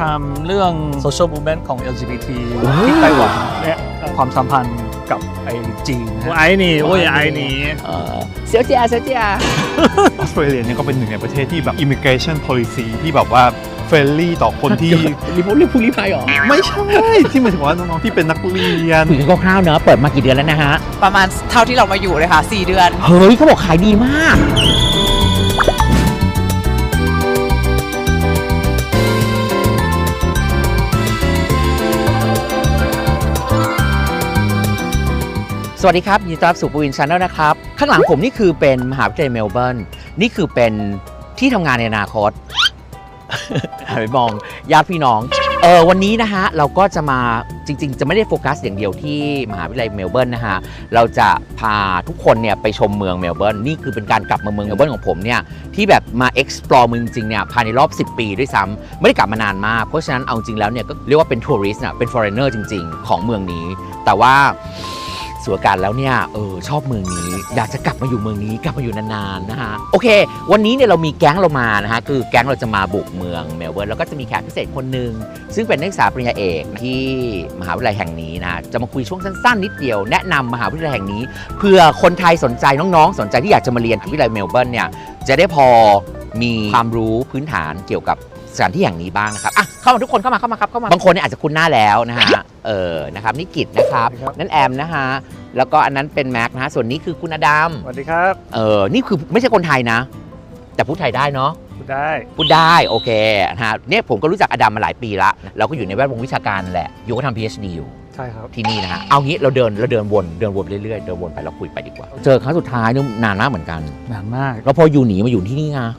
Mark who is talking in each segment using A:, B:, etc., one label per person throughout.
A: ำเรื่อง social movement ของ LGBT ที่ไต้หวันและความสัมพันธ์กับไอ้จีน我爱你我也爱你
B: เสียวเจียเสียวเจีย
C: ออสเตรเลียเนี่ยก็เป็นหนึ่งในประเทศที่แบบ immigration policy ที่แบบว่าเฟรนลี่ต่อคนที่
B: รีบพูดรีบไปหรอ
C: ไม่ใช่ที่หมายถึงว่าน้องๆที่เป็นนักเรียน
B: คุยกันคร่าวๆเนอะเปิดมากี่เดือนแล้วนะฮะ
D: ประมาณเท่าที่เรามาอยู่เลยค่ะ4 เดือน
B: เฮ้ยเขาบอกขายดีมากสวัสดีครับยินดีต้อนรับสู่ปูอินชาแนลนะครับข้างหลังผมนี่คือเป็นมหาวิทยาลัยเมลเบิร์นนี่คือเป็นที่ทำงานในอนาคต หันไปมองญาติพี่น้องวันนี้นะฮะเราก็จะมาจริงๆจะไม่ได้โฟกัสอย่างเดียวที่มหาวิทยาลัยเมลเบิร์นนะฮะเราจะพาทุกคนเนี่ยไปชมเมืองเมลเบิร์นนี่คือเป็นการกลับมาเมืองเมลเบิร์นของผมเนี่ยที่แบบมา explore เมืองจริงเนี่ยภายในรอบ10 ปีด้วยซ้ำไม่ได้กลับมานานมากเพราะฉะนั้นเอาจริงแล้วเนี่ยก็เรียกว่าเป็นทัวริสต์นะเป็น foreigner จริงๆของเมืองนี้แต่ว่าส่วนการแล้วเนี่ยชอบเมืองนี้อยากจะกลับมาอยู่เมืองนี้กลับมาอยู่นานๆนะฮะโอเควันนี้เนี่ยเรามีแก๊งเรามานะฮะคือแก๊งเราจะมาบุกเมืองเมลเบิร์นแล้วก็จะมีแขกพิเศษคนหนึ่งซึ่งเป็นนักศึกษาปริญญาเอกที่มหาวิทยาลัยแห่งนี้นะจะมาคุยช่วงสั้นๆนิดเดียวแนะนำมหาวิทยาลัยแห่งนี้เพื่อคนไทยสนใจน้องๆสนใจที่อยากจะมาเรียนที่วิทยาลัยเมลเบิร์นเนี่ยจะได้พอมีความรู้พื้นฐานเกี่ยวกับสถานที่อย่างนี้บ้างนะครับอ่ะเข้ามาทุกคนเข้ามาครับเข้ามาบางคนเนี่ยอาจจะคุ้นหน้าแล้วนะฮะนะครับนี่กิจนะครับนั่นแอมนะฮะแล้วก็อันนั้นเป็นแม็กนะฮะส่วนนี้คือคุณอดัม
A: สวัสดีครับ
B: นี่คือไม่ใช่คนไทยนะแต่พูดไทยได้เนาะ
A: พูดได้
B: พูดได้โอเคนะฮะเนี่ยผมก็รู้จักอดัมมาหลายปีละเราก็อยู่ในแวดวงวิชาการแหละอยู่ก็ทำ PhD อยู่
A: ใช่ครับ
B: ที่นี่นะฮะเอางี้เราเดินวนเรื่อยๆเดินวนไปแล้วคุยไปดีกว่าเจอครั้งสุดท้ายนี่นานมากเหมือนกัน
A: นานมาก
B: แล้วพออยู่หนีมาอยู่ที่นี่ไง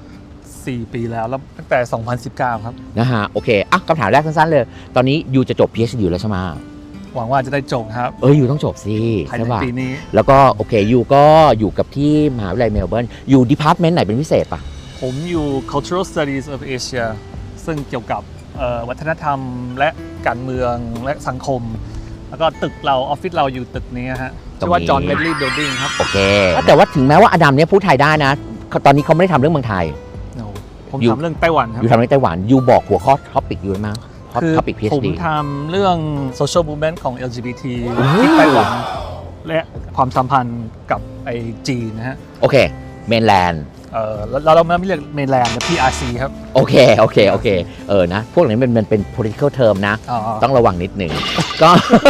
A: 4 ปีแล้วตั้งแต่ 2019 ครับ
B: นะฮะโอเคอ่ะคำถามแรกสั้นๆเลยตอนนี้ยูจะจบ PhD แล้วใช่ไหม
A: หวังว่าจะได้จบครับ
B: ยูต้องจบสิ
A: ภาย
B: ใช่
A: ใน
B: ป่ะ
A: ปีนี้
B: แล้วก็โอเคยูก็อยู่กับที่มหาวิทยาลัยเมลเบิร์นอยู่ดีพาร์ตเมนต์ไหนเป็นพิเศษป่ะ
A: ผมอยู่ Cultural Studies of Asia ซึ่งเกี่ยวกับวัฒนธรรมและการเมืองและสังคม แล้วก็ตึกเราออฟฟิศเราอยู่ตึกนี้ฮะชื่อว่า John Medley Building ครับ
B: โอเคแต่ว่าถึงแม้ว่าอดัมเนี่ยพูดไทยได้นะตอนนี้เขาไม่ได้ทำเรื่องเมืองไทย
A: ผมทำเรื่องไต้หวันครับ
B: อยู่ทำเรื่องไต้หวันยูบอกหัวข้อท็อปิกอยู่ไหม
A: คือ
B: ท็อปิก PhD
A: ผมทำเรื่อง social movement ของ LGBT ที่ไต้หวันและความสัมพันธ์กับไอ้จีนนะฮะ
B: โอเคเมนแลนด์
A: เราไม่เรียกเมนแลนด์นะ PRC ครับ
B: โอเคนะพวกนี้มันเป็น political term นะ ต้องระวังนิดหนึ่งก็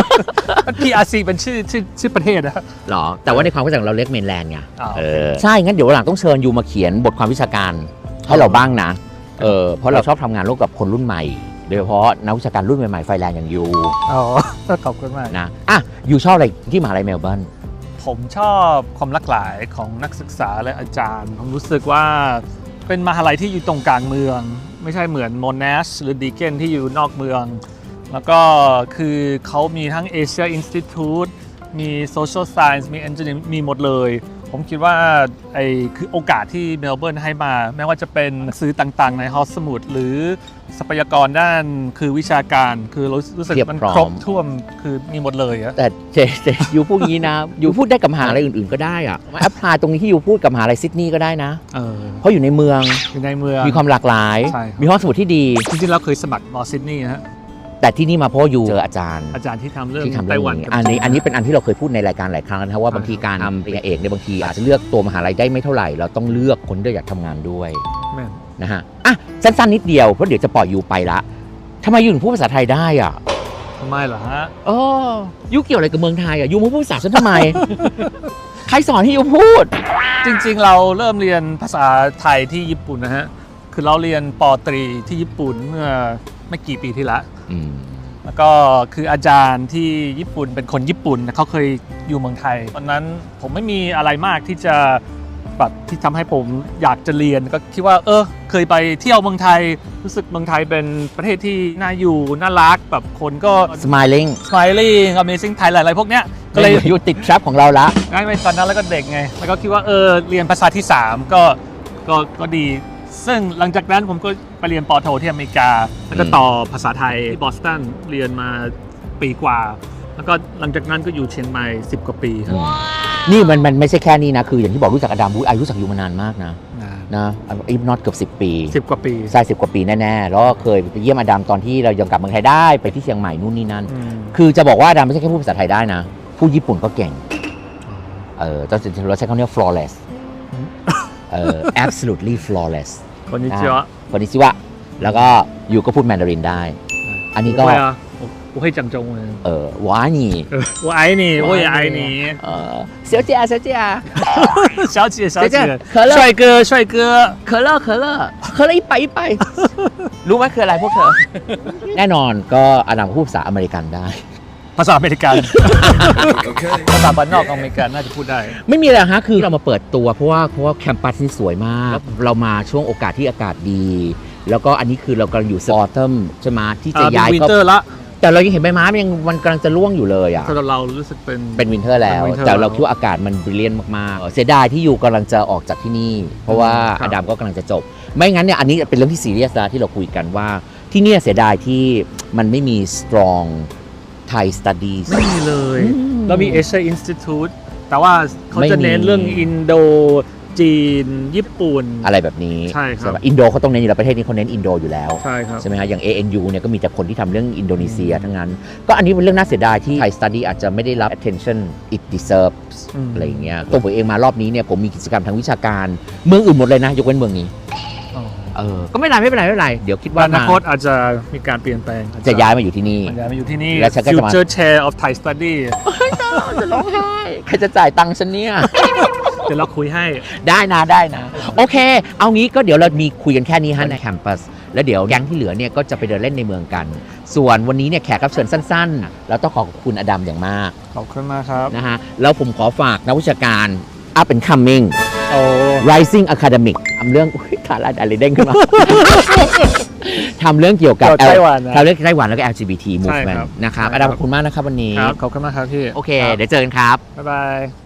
A: PRC เป็นชื่อประเทศนะ
B: หรอแต่ว่าในความเข้าใจของเราเรียกเมนแลนด์ไง
A: โอเค
B: ใช่งั้นเดี๋ยววันหลังต้องเชิญยูมาเขียนบทความวิชาการให้เราบ้างนะเพราะเราชอบทำงานร่วมกับคนรุ่นใหม่โดยเฉพาะนักวิชาการรุ่นใหม่ๆไฟแรงอย่างยู
A: ขอบคุณมาก
B: นะยูชอบอะไรที่มหาลัยเมลเบิร์น
A: ผมชอบความหลากหลายของนักศึกษาและอาจารย์ ผมรู้สึกว่าเป็นมหาลัยที่อยู่ตรงกลางเมือง ไม่ใช่เหมือนโมนาชหรือดีเกนที่อยู่นอกเมือง แล้วก็คือเขามีทั้ง Asia Institute มี Social Science มี Engineering มีหมดเลย ผมคิดว่าคือโอกาสที่เมลเบิร์นให้มาไม่ว่าจะเป็นหนังสือต่างๆในหอสมุดหรือทรัพยากรด้านคือวิชาการคือรู้สึกมันครบถ้วนคือมีหมดเลยอะ
B: แต่ยูพูดงี้นะยูพูดได้กับมหาลัยอื่นๆก็ได้อะแอพพลายตรงนี้ที่ยูพูดกับมหาลัยซิดนีย์ก็ได้นะเพราะอยู่ในเมืองมีความหลากหลายมีห้องสมุดที่ดี
A: จริงๆเราเคยสมัครมอซิดนีย์ฮะ
B: แต่ที่นี่มาเพราะยูเจออาจารย์
A: ที่ทำเรื่องไต้หวัน
B: อันนี้เป็นอันที่เราเคยพูดในรายการหลายครั้งนะครับว่าบางทีการทำปริญญาเอกในบางทีอาจจะเลือกตัวมหาลัยได้ไม่เท่าไหร่เราต้องเลือกคนที่อยากทำงานด้วยนะฮะสั้นๆนิดเดียวเพราะเดี๋ยวจะปล่อยยูไปละทำไมยูถึงพูดภาษาไทยได้อ่ะ
A: ทำไมเหรอฮะ
B: ยูเกี่ยวอะไรกับเมืองไทยอ่ะยูมาพูดภาษาฉันทำไม ใครสอนให้ยูพูด
A: จริงๆเราเริ่มเรียนภาษาไทยที่ญี่ปุ่นนะฮะคือเราเรียนป.ตรีที่ญี่ปุ่นเมื่อไม่กี่ปีที่แล้วแล้วก็คืออาจารย์ที่ญี่ปุ่นเป็นคนญี่ปุ่นเขาเคยอยู่เมืองไทยตอนนั้นผมไม่มีอะไรมากที่จะแบบที่ทำให้ผมอยากจะเรียนก็คิดว่าเคยไปเที่ยวเมืองไทยรู้สึกเมืองไทยเป็นประเทศที่น่าอยู่น่ารักแบบคนก็
B: smiling
A: amazing Thailand อะไรพวกเนี้ย
B: ก็เลยอยู่ติดแทร็ปของเราละ
A: ไม่ตอนนั้นแล้วก็เด็กไงแล้วก็คิดว่าเรียนภาษาที่3ก็ดีซึ่งหลังจากนั้นผมก็ไปเรียนป.โทที่อเมริกาแล้วก็ต่อภาษาไทยที่บอสตันเรียนมาปีกว่าแล้วก็หลังจากนั้นก็อยู่เชียงใหม่10 กว่าปีครับ
B: นี่มันไม่ใช่แค่นี้นะ คืออย่างที่บอกรู้จักอดัมอายุรู้จักอยู่มานานมากนะอีฟนอตเกือบ10 ปี
A: 10 กว่าปี
B: ใช่10 กว่าปีแน่ๆแล้วก็เคยไปเยี่ยมอดัมตอนที่เรายังกลับเมืองไทยได้ไปที่เชียงใหม่นู่นนี่นั่น คือจะบอกว่าอดัมไม่ใช่แค่พูดภาษาไทยได้นะพูดญี่ปุ่นก็เก่งตอนเราใช้คำนี้ flawless absolutely flawless
A: คนนี้เจียว
B: คนนิชิวะแล้วก็อยู่ก็พูดแมนดารินได้ อันนี้ก็
A: 我会讲中文
B: 我爱你
A: 我爱你我也爱你
B: 小姐小姐
A: 小姐小姐
B: 可乐
A: 帅哥帅哥
B: 可乐100รู้ไหมคืออะไรพวกเธอ แน่นอนก็อดัมพูดภาษาอเมริกันได้
A: ภาษาอเมริกันภาษาบ้านนอกอเมริกันน่าจะพูดได้
B: ไม่มีอะไรฮะคือเรามาเปิดตัวเพราะว่าแคมปัสนี่สวยมากเรามาช่วงโอกาสที่อากาศดี แล้วก็อันนี้คือเรากำลังอยู่ออทัมใช่ไหมที่จะย้าย
A: วินเตอร์ละ
B: แต่เรายังเห็นใบไม้มันกำลังจะร่วงอยู่เลยอ่ะ
A: สำหรับเรารู้สึกเป็น
B: วินเทอร์แล้ว แต่เราคิดว่าอากาศมันบริเลียนมากๆเสียดายที่อยู่กำลังจะออกจากที่นี่ เพราะว่าอดัมก็กำลังจะจบ ไม่งั้นเนี่ยอันนี้เป็นเรื่องที่ซีเรียสนะที่เราคุยกันว่าที่เนี่ยเสียดายที่มันไม่มี strong Thai studies
A: ไม่มีเลยเรามี Asia Institute แต่ว่าเขาจะเน้น
B: ไม่มี
A: เรื่องอินโดจีนญี่ปุ่น
B: อะไรแบบนี้
A: ใช่ครับ
B: อินโดเขาต้องเน้นอยู่แล้วประเทศนี้เขาเน้นอินโดอยู่แล้ว
A: ใช่ครับ
B: ใช่ไหมฮะอย่าง ANU เนี่ยก็มีแต่คนที่ทำเรื่องอินโดนีเซียทั้งนั้น ก็อันนี้เป็นเรื่องน่าเสียดายที่ Thai study อาจจะไม่ได้รับ attention it deserves อะไรอย่างเงี้ยตัวผมเองมารอบนี้เนี่ยผมมีกิจกรรมทางวิชาการเมืองอื่นหมดเลยนะยกเว้นเมืองนี้ก็ไม่เป็นไรเดี๋ยวคิดว่า
A: อนาคตอาจจะมีการเปลี่ยนแปลง
B: จะย้ายมาอยู่ที่นี่
A: ย้ายมาอยู่ที่นี่
B: แล้วฉันก็จะมา
A: Future Chair of Thai Study
B: จะร้องไห้ใครจะจ่ายตังค์ฉันเนี่ย
A: เดี๋ยวเราคุยให้
B: ได้นะโอเค เอางี้ก็เดี๋ยวเรามีคุยกันแค่นี้ฮะในแคมปัสแล้วเดี๋ยวแก๊งที่เหลือเนี่ยก็จะไปเดินเล่นในเมืองกัน ส่วนวันนี้เนี่ยแขกรับเชิญสั้นๆเราต้องขอบคุณอดัมอย่างมาก
A: ขอบคุณมากครับ
B: นะฮะแล้วผมขอฝากนักวิชาการ up and coming
A: โอ้
B: rising academic ทำเรื่องขาลาอะไรเด้งขึ้นมา ทำเรื่องเกี่ยวกับ
A: ไต้หวันนะ
B: ทำเรื่องไต้หวันแล้วก็ LGBT
A: ใช่
B: movement
A: ครับ
B: นะครับ
A: ใช่
B: อ
A: ครับ
B: ดัมขอบคุณมากนะครับวันนี้
A: ครับขอบคุณมากครับพี่
B: โอเค เดี๋ยวเจอกันครับ
A: บ๊ายบาย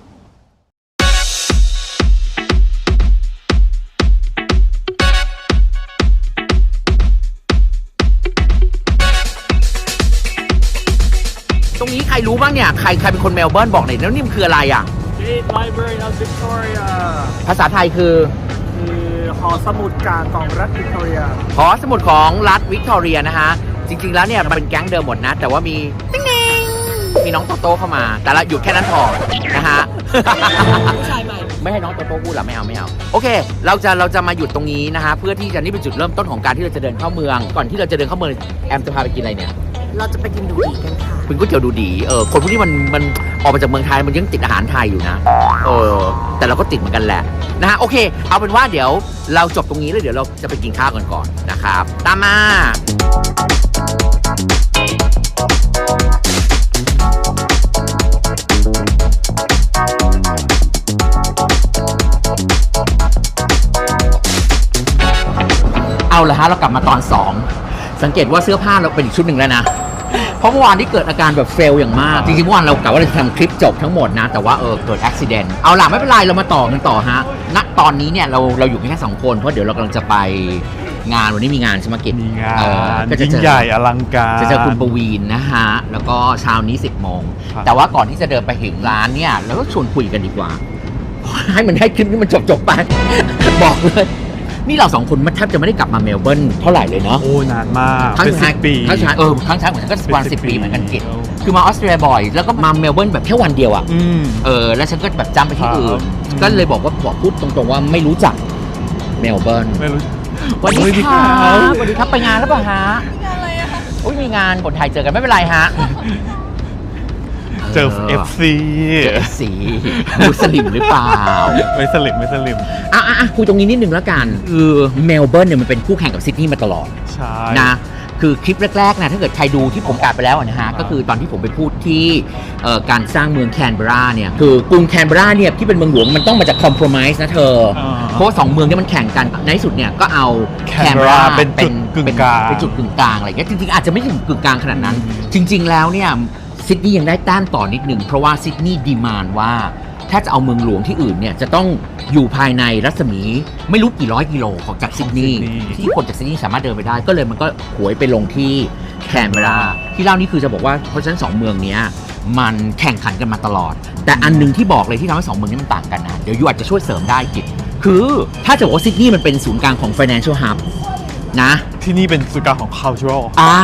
B: ตรงนี้ใครรู้บ้างเนี่ย ใครเป็นคนเมลเบิร์นบอกหน่อยแล้วนี่มันคืออะไรอ่ะ
A: State Library of Victoria
B: ภาษาไทยคือ
A: คือหอสมุดกลางของรัฐวิกตอเรีย
B: หอสมุดของรัฐวิกตอเรียนะฮะ จริงๆแล้วเนี่ยมันเป็นแก๊งเดิมหมดนะ แต่ว่ามีมีน้องโตโต้เข้ามา แต่ละอยู่แค่นั้นพอนะฮะ
D: ผู้ชายใหม่
B: ไม่ให้น้องโตโต้พูดหรอไม่เอาโอเคเราจะมาหยุดตรงนี้นะฮะเพื่อที่จะนี่เป็นจุดเริ่มต้นของการที่เราจะเดินเข้าเมือง ก่อนที่เราจะเดินเข้าเมืองแอมจะพาไปกินอะไรเนี่ย
D: เราจะไปกินดูดีกันค่ะ
B: เป็นก๋วยเตี๋ยวดูดีคนพวกนี้มันออกมาจากเมืองไทยมันยังติดอาหารไทยอยู่นะแต่เราก็ติดเหมือนกันแหละนะฮะโอเคเอาเป็นว่าเดี๋ยวเราจบตรงนี้แล้วเดี๋ยวเราจะไปกินข้าวกันก่อนนะครับตามมาเอาละฮะเรากลับมาตอน 2 สังเกตว่าเสื้อผ้าเราเป็นอีกชุดหนึ่งแล้วนะ เพราะเมื่อวานที่เกิดอาการแบบเฟลอย่างมาก จริงๆเมื่อวานเรากะว่าเราจะทำคลิปจบทั้งหมดนะ แต่ว่าเกิดอุบิเหตุเอาล่ะไม่เป็นไรเรามาต่อกันต่อฮะณตอนนี้เนี่ยเราอยู่กันแค่2 คนเพราะเดี๋ยวเรากำลังจะไปงานวันนี้มีงานใช่ไหมกิจ
C: มีงาน
B: ก็จะ
C: ยิ่ง
B: เจอ
C: ใหญ่อลังการ
B: จะเจอคุณปวีณนะฮะแล้วก็เช้านี้ 10 โมง
C: ครับ
B: แต่ว่าก่อนที่จะเดินไปถึงร้านเนี่ยเราก็ชวนคุยกันดีกว่า ให้คลิปนี้มันจบไป บอกเลยนี่เรา2 คนมันแทบจะไม่ได้กลับมาเมลเบิร์นเท่าไหร่เลยเนาะ
C: โอ้นานมาก
B: ทั้ง
C: เป็น
B: ชาย
C: 10 ปี
B: ทั้งชายทั้งชายเหมือนกันก็ประมาณ10 ปีเหมือนกันกิจ
C: แล้ว
B: คือมาออสเตรเลียบ่อย แล้วก็มาเมลเบิร์นแบบแค่วันเดียวอ่ะ
C: อืม
B: แล้วฉันก็แบบจำไปที่อื่
C: ครั
B: น
C: บ
B: ก็เลยบอกพูดตรงๆว่าไม่รู้จักเมลเบิร์น
C: ไม่รู้
B: วันนี้
C: สวัสดี
B: ค
C: ครั
B: รับบ สวัสดีครับไปงานแล้วเปล่าฮะงานอะไรอะคะมีงานคนไทยเจอกันไม่เป็นไรฮะ
C: เจอ FC
B: เจอสีมุสลิมหรือเปล่า
C: ไม่สลิม
B: คุยตรงนี้นิดนึงแล้วกันคือเมลเบิร์นเนี่ยมันเป็นคู่แข่งกับซิดนีย์มาตลอด
C: ใช่
B: นะคือคลิปแรกๆนะถ้าเกิดใครดูที่ผมกลับไปแล้วนะฮะก็คือตอนที่ผมไปพูดที่การสร้างเมืองแคนเบราเนี่ยคือกรุงแคนเบราเนี่ยที่เป็นเมืองหลวงมันต้องมาจากคอมเพลมไ s e นะเธอเพราะว่า2 เมืองนี้มันแข่งกันในที่สุดเนี่ยก็เอาแคนเบรา
C: เป็นจุดกึ่งกลาง
B: เป็นจุดกึ่งกลางอะไรเงี้ยจริงๆอาจจะไม่ถึงกึ่งกลางขนาดนั้น จริง ๆแล้วเนี่ยซิดนีย์ยังได้แต้มต่อนิดหนึ่งเพราะว่าซิดนีย์ดีมานด์ว่าถ้าจะเอาเมืองหลวงที่อื่นเนี่ยจะต้องอยู่ภายในรัศมีไม่รู้กี่ร้อยกิโลของจากซิดนีย์ที่คนจากซิดนีย์สามารถเดินไปได้ก็เลยมันก็หวยไปลงที่แคนเบราที่เล่านี่คือจะบอกว่าเพราะฉะนั้น2 เมืองเนี้ยมันแข่งขันกันมาตลอด แต่อันหนึงที่บอกเลยที่ทำให้สองเมืองนี้มันต่างกันนะ เดี๋ยวยูอาจจะช่วยเสริมได้กิจคือถ้าจะบอกว่าซิดนีย์มันเป็นศูนย์กลางของ financial hub นะ
C: ที่นี่เป็นศูนย์กลางของ cultural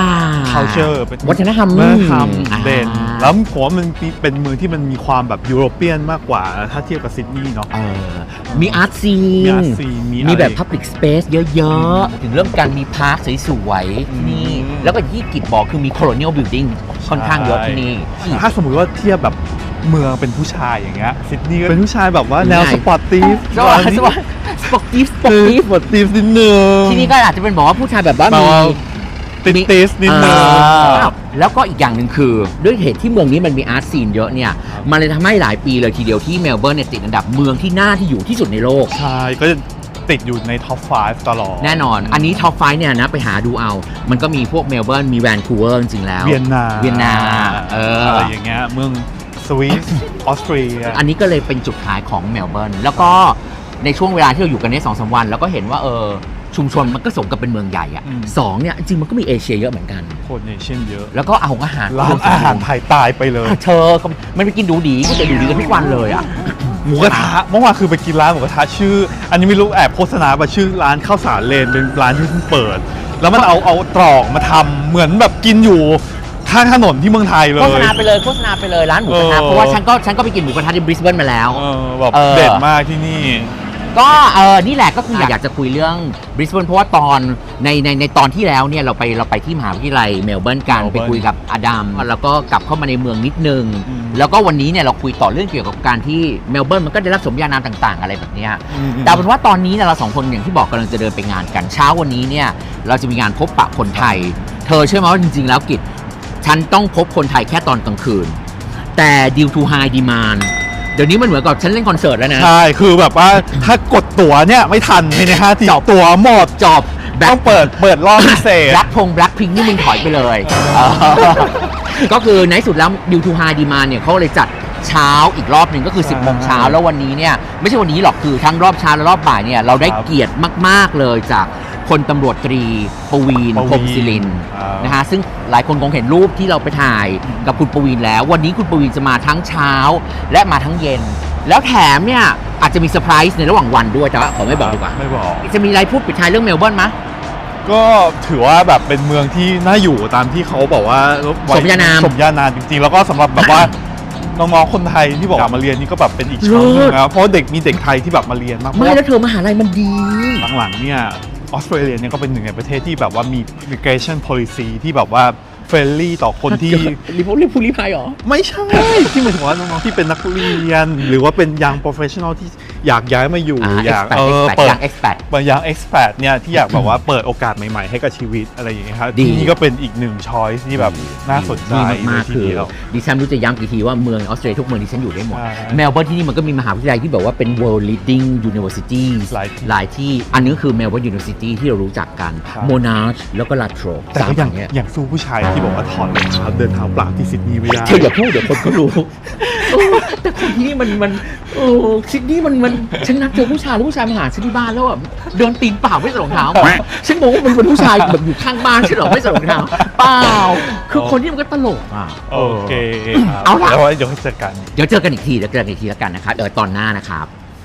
C: culture เป็น
B: วัฒนธรรม
C: วัฒนธรรมเด่น
B: อ่า
C: แล้วผมว่ามันเป็นเมืองที่มันมีความแบบยุโรเปียนมากกว่าถ้าเทียบกับซิดนีย์เนาะ
B: มีอาร์ตซี
C: มี art scene มีอะไร
B: มีแบบ public space เยอะๆ ถึงเรื่องการมีพาร์คสวยๆที่นี่
C: อืม
B: แล้วก็ที่กิจบอกคือมี colonial building ค่อนข้างเยอะที่นี่
C: ถ้าสมมติว่าเทียบแบบเมืองเป็นผู้ชายอย่างเงี้ยซิดนีย์ก็เป็นผู้ชายแบบว่าแนว
B: ใช่
C: สปอร์ตตีฟ
B: สวัสดีสปอร์ตีฟ
C: สปอร์ตตีฟนิดนึง
B: ที่นี่ก็อาจจะเป็นบอกว่าผู้ชายแบบว่า
C: แบบ
B: มี
C: ว่าติสนิดนึง
B: แล้วก็อีกอย่างหนึ่งคือ ด้วยเหตุที่เมืองนี้มันมีอาร์ตซีนเยอะเนี่ย มันเลยทำให้หลายปีเลยทีเดียวที่เมลเบิร์นเนี่ยติดอันดับเมืองที่น่าที่อยู่ที่สุดในโลก
C: ใช่ก็จะติดอยู่ในท็อป 5 ตลอด
B: แน่นอน อันนี้ท็อปไฟเนี่ยนะไปหาดูเอา มันก็มีพวกเมลเบิร์นมีแวนคูเวอร์จริงๆแล้ว
C: เวียนนา
B: อะไร
C: อย่างเงี้ยเมืองสวิสออสเตรีย
B: อันนี้ก็เลยเป็นจุดขายของเมลเบิร์นแล้วก็ในช่วงเวลาที่เราอยู่กันใน2-3 วัน แล้วก็เห็นว่าชุมชนมันก็สมกับเป็นเมืองใหญ่อะสองเนี่ยจริงๆมันก็มีเอเชียเยอะเหมือนกัน
C: คนเนชั่นเยอะ
B: แล้วก็อาหาร
C: ร้านอาหารไทยตายไปเลย
B: เธอมันไปกินดูดีก็จะดูดีกันทุกวันเลยอะ
C: หมูกระทะเมื่อวานคือไปกินร้านหมูกระทะชื่อ อันนี้ไม่รู้แอบโฆษณาไปชื่อร้านข้าวสารเลนเป็นร้านที่เพิ่งเปิด แล้วมันเอาตรอกมาทำเหมือนแบบกินอยู่ข้างถนนที่เมืองไทยเลย
B: โฆษณาไปเลยร้านหมูกระทะเพราะว่าฉันก็ไปกินหมูกระทะที่บริสเบนมาแล้ว
C: แบบเด็ดมากที่นี่
B: ก็นี่แหละก็คืออยากจะคุยเรื่องบริสเบนเพราะว่าตอนในตอนที่แล้วเนี่ยเราไปที่มหาวิทยาลัยเมลเบิร์นกัน
C: เมลเบิ
B: ไป
C: ร์น
B: คุยกับอดัมแล้วก็กลับเข้ามาในเมืองนิดนึง
C: อืม
B: แล้วก็วันนี้เนี่ยเราคุยต่อเรื่องเกี่ยวกับการที่เมลเบิร์นมันก็ได้รับสมญานามต่างๆ อะไรแบบเนี้ย
C: อืม
B: แต่เป็นว่าตอนนี้เนี่ยเราสองคนอย่างที่บอกกำลังจะเดินไปงานกันเช้าวันนี้เนี่ยเราจะมีงานพบปะคนไทย เธอเชื่อไหมว่าจริงๆแล้วกิจฉันต้องพบคนไทยแค่ตอนกลางคืนแต่ due to high demand เดี๋ยวนี้มันเหมือนกับฉันเล่นคอนเสิร์ตแล้วนะ
C: ใช่ คือแบบว่าถ้ากดตั๋วเนี่ยไม่ทันภายใน5 ทีตั๋วหมด
B: จอบ
C: ต้องเปิดรอบพิเศษ
B: แบล็คพิงนี่มึงถอยไปเลยก็คือในที่สุดแล้ว due to high demand เนี่ยเขาเลยจัดเช้าอีกรอบหนึ่งก็คือ 10 โมงเช้าแล้ววันนี้เนี่ยไม่ใช่วันนี้หรอกคือทั้งรอบเช้าและรอบบ่ายเนี่ยเราได้
C: ครับ
B: เกียรติมากๆเลยจากพลตำรวจตรีปวีณ พรหมศิรินทร์ นะฮะซึ่งหลายคนคงเห็นรูปที่เราไปถ่ายกับคุณปวีณแล้ว วันนี้คุณปวีณจะมาทั้งเช้าและมาทั้งเย็น แล้วแถมเนี่ยอาจจะมีเซอร์ไพรส์ในระหว่างวันด้วยแต่ว่าขอไม่บอกดีกว่า
C: ไม่บอก
B: จะมีอะไรพูดปิดท้ายเรื่องเมลเบิร์นไหม
C: ก็ถือว่าแบบเป็นเมืองที่น่าอยู่ตามที่เขาบอกว่า
B: สมญานาม
C: สมญานามจริงๆ แล้วก็สำหรับแบบว่า น้องๆคนไทยที่บอกมาเรียนนี่ก็แบบเป็นอีกช่องหนึงนะเพราะมีเด็กไทยที่แบบมาเรียนมาก
B: ไม่แล้วเธอมหาลัยมันดี
C: หลังๆเนี่ยออสเตรเลียเนี่ยก็เป็นหนึ่งในประเทศที่แบบว่ามี immigration policy ที่แบบว่าเฟรนลี่ต่อคนที่
B: รีพูลีพายหรอ
C: ไม่ใช่ ที่หมายถึงว่าน้องๆที่เป็นนักเรียน หรือว่าเป็นยัง professional ที่อยากย้ายมาอยู่อยาก
B: expat
C: เปิด
B: ยัง expat
C: ยัง expat เนี่ยที่อยากแบบว่าเปิดโอกาสใหม่ๆให้กับชีวิตอะไรอย่างเงี้ยครับ
B: ดี
C: ที่นี่ก็เป็นอีกหนึ่ง choice ที่แบบน่าสนใจ
B: ดีมาก
C: เลยที
B: ๆคือ
C: เดียว
B: ดิฉันรู้จะย้ำกี่ทีว่าเมืองออสเตรเลียทุกเมืองที่ฉันอยู่ได้หมด
C: ใช่
B: เมลเบิร์นที่นี่มันก็มีมหาวิทยาลัยที่แบบว่าเป็น world leading universities
C: หลายที่
B: ที่อันนี้คือเมลเบิร์น university ที่เรารู้จักกัน
C: ครับ
B: Monash แล้วก็ La Trobe
C: แต่ก็
B: สาม
C: อย่าง
B: แห่งเนี้ย
C: อย่างสู้ผู้ชายที่บอกว่าถอดรองเท้าเดินเท้าเปล่าที่ซิดนีย์ไม่ได้
B: เธออย่าพูดเดี๋ยวคนก็รู้ แต่คนที่นี่มันซิดนีย์มันฉันนัดเจอผู้ชายแล้วผู้ชายมาหาฉันที่บ้านแล้วแบบเดินตีนเปล่าไม่ใส่รองเท้าฉันบอกว่ามันเป็นผู้ชายแบบอยู่ข้างบ้านฉันหรอไม่ใส่รองเท้าเปล่าคือคนที่มันก็ตลกอ่ะ
C: โอเคครับ
B: เอาล่ะ
C: แล้วไว้เดี๋ยวให้เจอกัน
B: เดี๋ยวเจอกันอีกทีแล้วกันนะครับตอนหน้านะครับ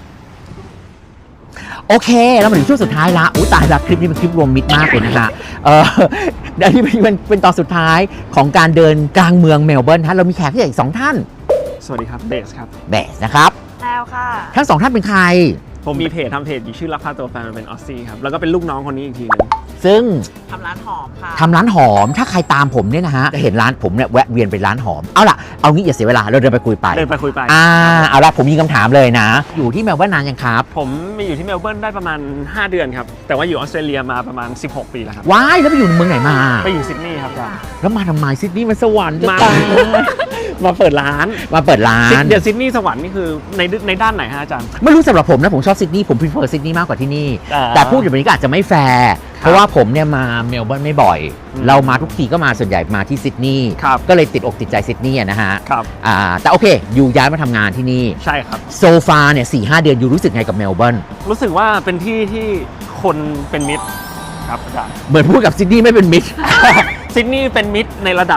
B: โอเคแล้วมาถึงช่วงสุดท้ายละอุ้ยตายละคลิปนี้เป็นคลิปรวมมิตรมากเลยนะคะเดี๋ยวนี้เป็นตอนสุดท้ายของการเดินกลางเมืองเมลเบิร์นฮะเรามีแขกที่ใหญ่อีก2ท่าน
A: สวัสดีครับเบสครับ
B: เบสนะครับ
D: แล้วค่ะ
B: ทั้ง2ท่านเป็นใคร
A: ผมมีเพจทำเพจอยู่ชื่อรักพาตัวแฟนมันเป็นออสซี่ครับ แล้วก็เป็นลูกน้องคนนี้อีกทีหนึง
B: ซึ่ง
D: ทำร้านหอมค่ะ
B: ทำร้านหอมถ้าใครตามผมเนี่ยนะฮะจะเห็นร้านผมเนี่ยแวะเวียนไปร้านหอมเอาล่ะเอางี้อย่าเสียเวลาเราเดินไปคุยไป
A: เดินไปคุยไป
B: เอาล่ะผมมีคำถามเลยนะ อยู่ที่เมลเบิร์นนานยังครับ
A: ผมมาอยู่ที่เมลเบิร์นได้ประมาณ 5 เดือนครับ แต่ว่าอยู่ออสเตรเลียมาประมาณ 16 ปีแล้วครับ
B: ว้ายแล้วไปอยู่เมืองไหนมา
A: ไปอยู่ซิดนีย์ครับอาจารย์
B: แล้วมาทำไมซิดนีย์มันสวรรค์จะ
A: มา
B: ตาย
A: มาเปิดร้าน
B: มาเปิดร้าน
A: เดี๋ยวซิดนีย์สวรรค์นี่คือในด้านไหนฮะอาจารย์
B: ไม่รู้สำหรับผมนะผมชอบซิดนีย์ผม prefer ซิดนีย์มากกว่าที่นี่
A: อ่า
B: แต่พูดอย่างนี้ก็อาจจะไม่แฟร์เพราะว่าผมเนี่ยมาเมลเบิร์นไม่บ่อย เรามาทุกทีก็มาส่วนใหญ่มาที่ซิดนีย์
A: ครับ
B: ก็เลยติดอกติดใจซิดนีย์อะนะฮะ
A: ครับ
B: แต่โอเคอยู่ย้ายมาทำงานที่นี่
A: ใช่ครับ
B: โซฟาเนี่ย4-5 เดือนอยู่รู้สึกไงกับเมลเบิร์น
A: รู้สึกว่าเป็นที่ที่คนเป็นมิตรครับอาจารย์
B: เหมือนพูดกับซิดนีย์ไม่เป็นมิตร
A: ซิดนีย์เป็นมิตรในระดับ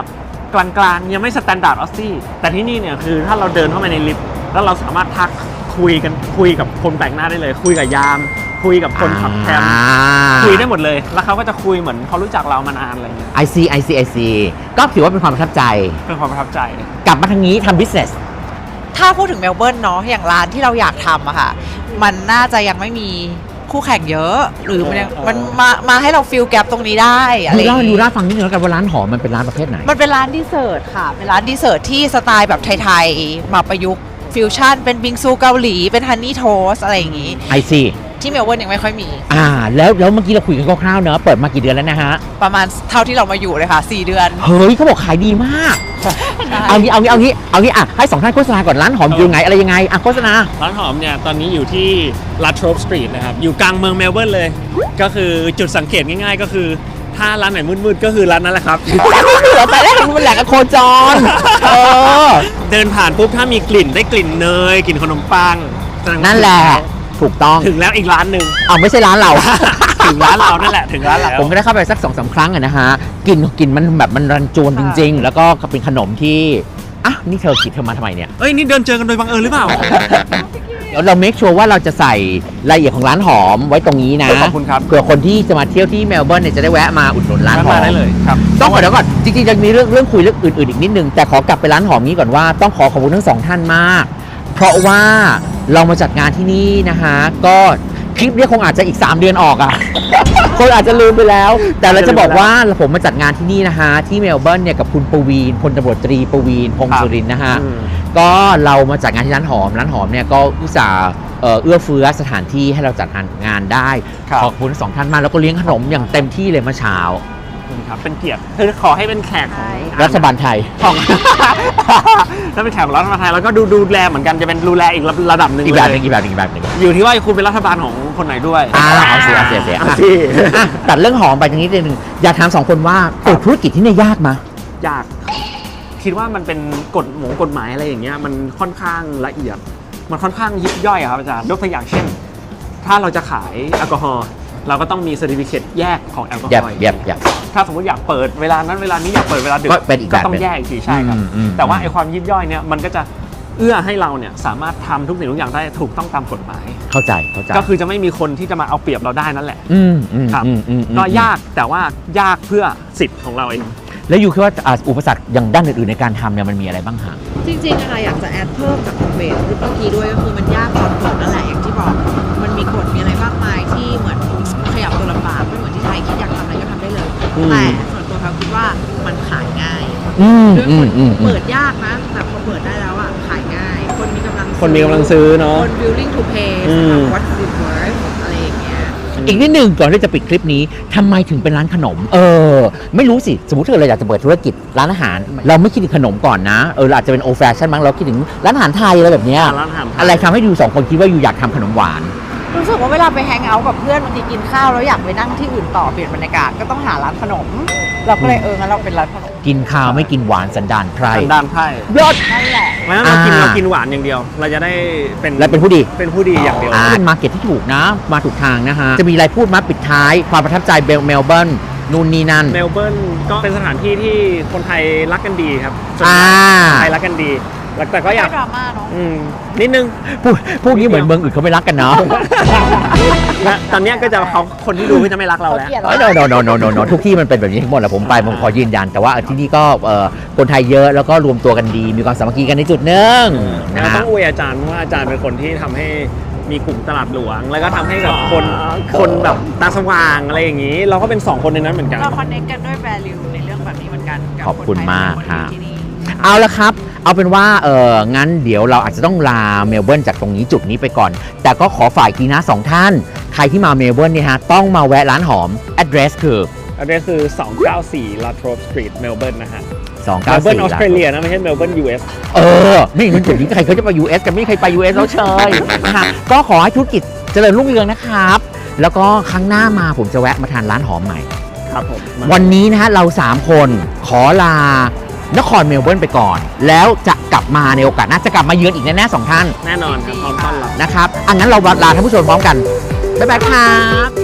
A: กลางๆยังไม่สแตนดาร์ดออสซี่แต่ที่นี่เนี่ยคือถ้าเราเดินเข้าไปในลิฟต์แล้วเราสามารถทักคุยกับคนแปลกหน้าได้เลย คุยกับยาม คุยกับคนขับแคมป์คุยได้หมดเลย แล้วเขาก็จะคุยเหมือนเขารู้จักเรามานานอะไรเงี้ย
B: I see ก็ถือว่าเป็นความประทับใจ
A: เป็นความประทับใจ
B: กลับมาทางนี้ทำ business
E: ถ้าพูดถึงเมลเบิร์นเนาะอย่างร้านที่เราอยากทำอะค่ะมันน่าจะยังไม่มีคู่แข่งเยอะ หรือมันมาให้เราฟิลแกปตรงนี้ได้อะไรอย่าง
B: ดู
E: งี้
B: เล่าฟังนิดนึงแล้วกันว่าร้านหอมมันเป็นร้านประเภทไหน
E: มันเป็นร้านดีเซอร์ทค่ะ เป็นร้านดีเซอร์ทที่สไตล์แบบไทยๆมาประยุกต์ฟิวชั่นเป็นบิงซูเกาหลีเป็นฮันนี่โทสอะไรอย่างงี้
B: I see
E: ที่เมลเบิร์นยังไม่ค่อยมี
B: แล้วเมื่อกี้เราคุยกันคร่าวๆเนอะเปิดมากี่เดือนแล้วนะฮะ
E: ประมาณเท่าที่เรามาอยู่เลยค่ะ4 เดือน
B: เฮ้ยเขาบอกขายดีมาก เอางี้อ่ะให้สองท่านโฆษณาก่อนร้านหอมอยู่ไงอะไรยังไงอ่ะโฆษณา
A: ร้านหอมเนี่ยตอนนี้อยู่ที่ลาโทรปสตรีทนะครับอยู่กลางเมืองเมลเบิร์นเลย ก็คือจุดสังเกตง่ายๆ ก็คือถ้าร้านไหนมืดๆก็คือร้านนั้นแหละครับ
B: แต่แรกมันแหล่งโคจร
A: เดินผ่านปุ๊บถ้ามีกลิ่นได้กลิ่นเนยกลิ่นขนมปังแสดงว่า
B: นั่นแหละถูกต้อง
A: ถึงแล้วอีกร้านหนึ่ง
B: เอาไม่ใช่ร้านเรา
A: ถึงร้านเรานั่นแหละถึงร้านเรา
B: ผมก็ได้เข้าไปสัก 2-3 ครั้งอะนะฮะกลิ่นมันแบบมันรันจวนจริง ๆ แล้วก็เป็นขนมที่อ่ะนี่เธอคิดเธอมาทำไมเนี่ย
A: เอ้ยนี่เดินเจอกันโดยบังเอิญหรือเปล่า
B: เดี๋ยวเราเมคชัวร์ว่าเราจะใส่รายละเอียดของร้านหอมไว้ตรงนี้นะ
A: ขอบคุณครับ
B: เผื่อคนที่จะมาเที่ยวที่เมลเบิร์นเนี่ยจะได้แวะมาอุดหนุนร้านหอม
A: มาได้เลยครับ
B: ต้องเดี๋ยวก่อนจริงๆจะมีเรื่องคุยเรื่องอื่นๆอีกนิดนึงแต่ขอกลับไปร้านหอมนี้ก่อนว่าต้องขอบคุณทั้งสองท่านมาก เพราะว่าเรามาจัดงานที่นี่นะฮะก็คลิปเนี้คงอาจจะอีก3 เดือนออกอ่ะ คนอาจจะลืมไปแล้ว แต่เราจะบอกว่าผมมาจัดงานที่นี่นะฮะที่เมลเบิร์นเนี่ยกับคุณปวีณพลตำรวจตรีปวีณพงศ์สุรินทร์นะฮะก็เรามาจัดงานที่ร้านหอมเนี่ยก็อุตส่าห์เอื้อเฟื้อสถานที่ให้เราจัดงานได้ขอบคุณทั้งสองท่านมากแล้วก็เลี้ยงขนมอย่างเต็มที่เลยเมื่อเช้า
A: ครับเป็นเกียรติคือขอให้เป็นแขกของ
B: รัฐบาลไทย
A: ของ ถ้าเป็นแขกของรัฐบาลไทยแล้วก็ดูแลเหมือนกันจะเป็นดูแลอีกระดับหนึ่ง
B: อีกแบบห
A: เล
B: นึ
A: ย
B: งอีกแบบหนึง
A: อยู่ที่ว่าคุณเป็นรัฐบาลของคนไหนด้วย
B: เอาสิ
A: เอาสิ
B: ตัดเรื่องหอมไปตรงนี้นิดนึงอยากถาม2 คนว่าเปิดธุรกิจที่นี่ยากไหม
A: ยากคิดว่ามันเป็นกฎหมายอะไรอย่างเงี้ยมันค่อนข้างละเอียด มันค่อนข้างยิบย่อยอะครับอาจารย์ยกตัวอย่างเช่น ถ้าเราจะขายแอลกอฮอล์เราก็ต้องมีเซอร์ติฟิเคตแยกของแอลกอฮอล์
B: แยก
A: ถ้าสมมติอยากเปิดเวลานั้นเวลานี้อยากเปิดเวลาดึก
B: ก็เป็นอีกแบบ
A: ต้องแยกอีกทีใช่ครับ
B: อืม
A: แต่ว่าไอ้ความยิบย่อยเนี่ยมันก็จะเอื้อให้เราเนี่ยสามารถทำทุกสิ่งทุกอย่างได้ถูกต้องตามกฎหมาย
B: เข้าใจ
A: ก็คือจะไม่มีคนที่จะมาเอาเปรียบเราได้นั่นแหละ ครับ ก็ยากแต่ว่ายากเพื่อสิทธิ์ของเราเอง
B: แล้วอยู่คิดว่าอุปสรรคอย่างด้านอื่นๆในการทำเนี่ยมันมีอะไรบ้างฮะ
D: จริงๆอะอยากจะแอดเพิ่มจากคอมเมนต์เมื่อกี้ด้วยก็คือมันยากตอนกดนั่นแหละอย่างที่บอก มันมีกฎมีอะไรมากมายที่เหมือนขยับตัวลำบากไม่เหมือนที่ไทยคิดอยากทำอะไรก็ทำได้เลย แต่ส่วนตัวเขาคิดว่ามันขายง่ายด้วยคนเปิดยากนะแต่พอเปิดได้แล้วอะขายง่าย คนมีกำลัง
A: คนมีกำลังซื้อเนาะ
D: คน willing to pay สำหรับ what it worth อะไรอย่างเงี้ย
B: อีกนิดหนึ่งก่อนที่จะปิดคลิปนี้ทำไมถึงเป็นร้านขนม ไม่รู้สิ สมมติถ้าเราอยากจะเปิดธุรกิจร้านอาหาร เราไม่คิดถึงขนมก่อนนะเราอาจจะเป็นโอแฟชั่นมั้งเราคิดถึงร้านอาหารไทยอะไรแบบเนี้ย
A: ร้านอาหารไทย
B: อะไรทำให้ดู2 คนคิดว่าอยู่อยากทำขนมหวาน
E: รู้สึกว่าเวลาไปแฮงเอาท์กับเพื่อนบางทีกินข้าวแล้วอยากไปนั่งที่อื่นต่อเปลี่ยนบรรยากาศก็ต้องหาร้านขนม เราก็เลยงั้นเราเป็นร้านขนม
B: กินข้าวไม่กินหวานสันดานไพร
A: สันดานไพ่
B: ยอด
E: นั่นแหละ
A: ไม่งั้นเรากินหวานอย่างเดียว เราจะได้เป็น
B: และเป็นผู้ดี
A: เป็นผู้ดีอย่างเดียว
B: เป็นมาร์เก็ตที่ถูกนะ มาถูกทางนะฮะ จะมีอะไรพูดมาปิดท้ายความประทับใจเมลเบิร์นนู่นนี่นั่น
A: เมลเบิร์นก็เป็นสถานที่ที่คนไทยรักกันดีครับส่วน
B: อ่า
A: ใหญ่คนไทยรักกันดีแต่ก็อยาก
E: ไม่ดราม่าเนาะ
A: นิดนึง
B: พวกนี้เหมือนเมืองอื่นเขาไม่รักกันเนาะ
A: และตอนเนี้ยก็จะเขาคนที่ดูก็จะไม่รักเราแล้ว
E: เขาเกลียด
B: no ทุกที่มันเป็นแบบนี้ทั้งหมดแหละผมไปผมขอยืนยัน แต่ว่าที่นี่ก็คนไทยเยอะแล้วก็รวมตัวกันดี มีความสามัคคีกันในจุดหนึ่งนะ
A: เราต้
B: ฮะ
A: องอวยอาจารย์เพราะว่าอาจารย์เป็นคนที่ทำให้มีกลุ่มตลาดหลวง แล้วก็ทำให้แบบคนแบบตาสว่างอะไรอย่างนี้ เราก็เป็น2 คนในนั้นเหมือนกัน
E: เราคอนเนคกันด้วย value ในเรื่องแบบนี้เหมือนกันกับ
B: ขอบคุณมาก
E: คนไทย
B: ค่ะ
E: ที่นี่
B: เอาละครับ เอาเป็นว่างั้นเดี๋ยวเราอาจจะต้องลาเมลเบิร์นจากตรงนี้จุดนี้ไปก่อน แต่ก็ขอฝ่ายกีนะ2 ท่าน ใครที่มาเมลเบิร์นเนี่ยฮะต้องมาแวะร้านหอม address คือ
A: อันนี้คือ 294 La Trobe Street เมลเบิร์นนะฮะ
B: 294
A: เมลเบิร์นออสเตรเลียนะไม่ใช่เมลเบิร์น US
B: นี่มันจุดนี้ใครเขาจะไป US กันไม่มีใครไป US แล้วเชยนะคะก็ขอให้ธุรกิจเจริญรุ่งเรืองนะครับ แล้วก็ครั้งหน้ามาผมจะแวะมาทานร้านหอมใหม่
A: ครับผม
B: วันนี้นะฮะเรา3 คนขอลานครเมลเบิร์นไปก่อน แล้วจะกลับมาในโอกาสหน้าจะกลับมาเยือนอีกแน่ๆ2 ท่าน
A: แน่นอนครับพร้อมต้อนรับ
B: นะครับงั้นเราลาท่านผู้ชมพร้อมกัน บ๊ายบายครับ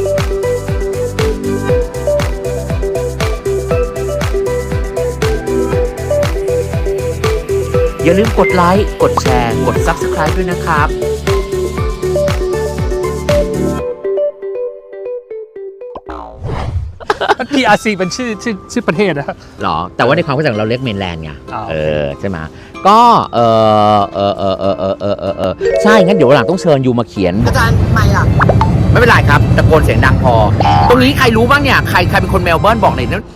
B: อย่าลืมกดไลค์กดแชร์กด Subscribe ด้วยนะครับ
A: PRC เป็นชื่อประเทศนะ
B: หรอ แต่ว่าในความเข้าใจของเราเรียกเมนแลนด์ไง
A: อ๋อ
B: ใช่ไหมก็ใช่ งั้นเดี๋ยววันหลังต้องเชิญยูมาเขียน
D: อาจารย์ไม่ล่ะ
B: ไม่เป็นไรครับตะโกนเสียงดังพอ ตรงนี้ใครรู้บ้างเนี่ย ใครเป็นคนเมลเบิร์นบอกหน่อยนะ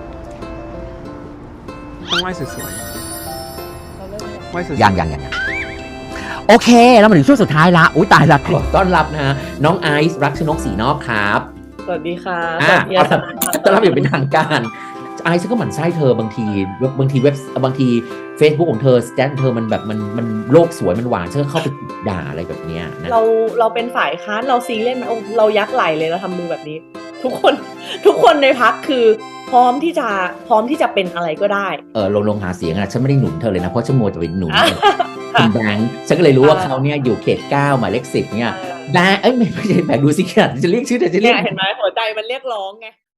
A: ต้องไหว้สวยๆไหว้สวยๆ
B: ยังโอเค แล้วมาถึงช่วงสุดท้ายละ อุ้ยตายละขอต้อนรับนะฮะน้องไอซ์รักชนกศรีนอกครับ
F: สวัสดีค่ะ
B: อ่ะ
F: สวัสดีอาจารย์
B: ต้อนรับอย่างเป็นทางการไอซ์ก็หมั่นไส้เธอบางทีบางที Facebook ของเธอสแตนเธอมันแบบมันโลกสวยมันหวานเธอเข้าไปด่าอะไรแบบเนี้ยนะ
F: เราเป็นฝ่ายค้านเราซีเรียสไหมโอ้เรายักไหลเลยเราทำมือแบบนี้ ทุกคนในพักคือพร้อมที่จะเป็นอะไรก็ได้
B: ลงหาเสียงอะฉันไม่ได้หนุนเธอเลยนะ เพราะฉันมัวจะไปหนุน
F: อ่ะ
B: คุณแบงค์ฉันก็เลยรู้ว่าเขาเนี่ยอยู่เขต 9 หมายเลข 10 เนี่ยแบงค์ไม่ใช่แบงค์ดูสิขนาดจะเรียกชื่อแต่จะเรี
F: เนี่ย ย
B: ก
F: เห็นไหมหัวใจมันเรียกร้องไง